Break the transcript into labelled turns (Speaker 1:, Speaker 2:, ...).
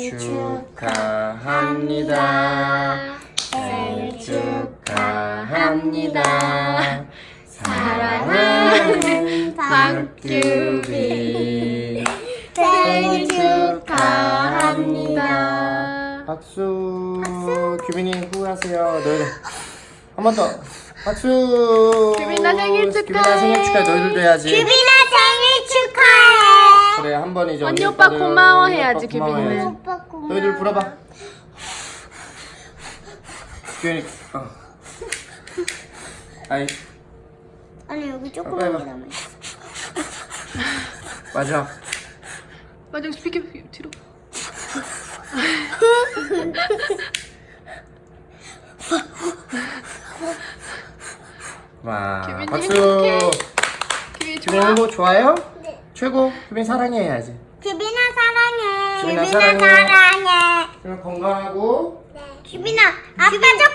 Speaker 1: 축하합니다. 생일 축하합니다. 사랑하는 박규빈 생일 축하합니다. 박수. 규빈이 후하세요. 너희들 한 번 더. 박수.
Speaker 2: 규빈아 생일 축하해.
Speaker 1: 규빈아 생일 축하해. 너희들도 해야지.
Speaker 3: 규빈아 생일 축하해.
Speaker 1: 그래 한 번이죠.
Speaker 2: 언니 오빠 고마워 해야지, 규빈이는.
Speaker 3: 오빠 고마워.
Speaker 1: 너희들 불어봐. 규빈이 아이
Speaker 3: 아니 여기 조그만
Speaker 1: 빨리
Speaker 3: 게
Speaker 1: 봐.
Speaker 3: 남아 있어.
Speaker 1: 맞아.
Speaker 2: 맞아, 비켜 뒤로.
Speaker 1: 와
Speaker 2: 규빈이
Speaker 1: 박수.
Speaker 2: 행복해. 규빈이
Speaker 1: 규빈이
Speaker 2: 좋아.
Speaker 1: 행복 좋아요?
Speaker 3: 네.
Speaker 1: 최고. 규빈 사랑해 해야지.
Speaker 3: 규빈아 사랑해.
Speaker 1: 규빈아
Speaker 3: 규빈아
Speaker 1: 사랑해.
Speaker 3: 사랑해.
Speaker 1: 규빈 건강하고.
Speaker 3: 규빈아 아빠